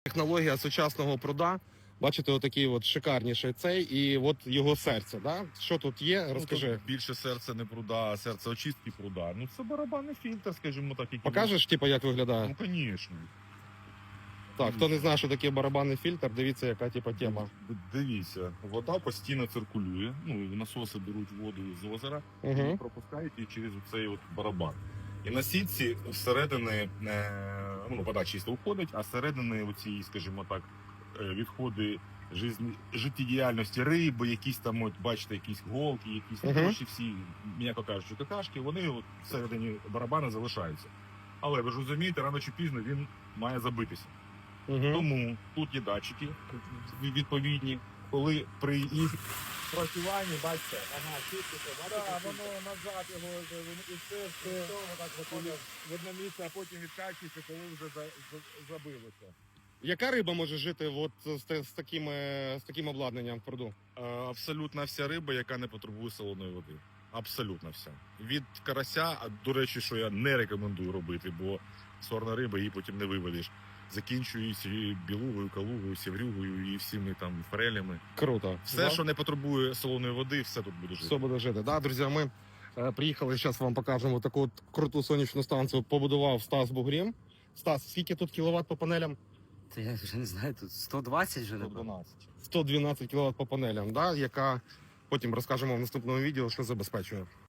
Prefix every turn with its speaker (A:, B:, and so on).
A: Технологія сучасного пруда. Бачите, отакий от шикарніший цей, і от його серце. Да? Що тут є? Розкажи.
B: Ну, тут більше серце не пруда, а серце очистки пруда. Ну це барабанний фільтр, скажімо так. Який...
A: Покажеш, типу, як виглядає?
B: Ну, звісно.
A: Так, хто не знає, що таке барабанний фільтр, дивіться, яка типу тема.
B: Дивіться, вода постійно циркулює. Ну, насоси беруть воду з озера і пропускають її через цей от барабан. І на сітці всередини, ну, вода чисто входить, а всередини оці, скажімо так, відходи життєдіяльності риби, якісь там, от, бачите, якісь голки, якісь всі, м'яко кажучи, какашки, вони от всередині барабана залишаються. Але ви ж розумієте, рано чи пізно він має забитися. Тому тут є датчики відповідні, коли при їх працюванні, бачите, воно назад його і все так заходить в одне місце, а потім відкачується, коли вже забилося.
A: Яка риба може жити от з таким обладнанням в пруду?
B: Абсолютно вся риба, яка не потребує солоної води. Абсолютно вся. Від карася, а до речі, що я не рекомендую робити, бо сорна риба її потім не виведеш. Закінчується білугою, калугою, сіврюгою і всіми там форелями.
A: Круто.
B: Все, що не потребує солоної води, все тут буде жити.
A: Все буде жити. Да, друзі, ми приїхали, зараз вам покажемо таку от круту сонячну станцію. Побудував Стас Бугрім. Стас, скільки тут кіловат по панелям?
C: Та я вже не знаю, тут 120 вже, напевно.
B: 112.
A: 112 кВт по панелям, да, яка потім розкажемо в наступному відео, що забезпечує.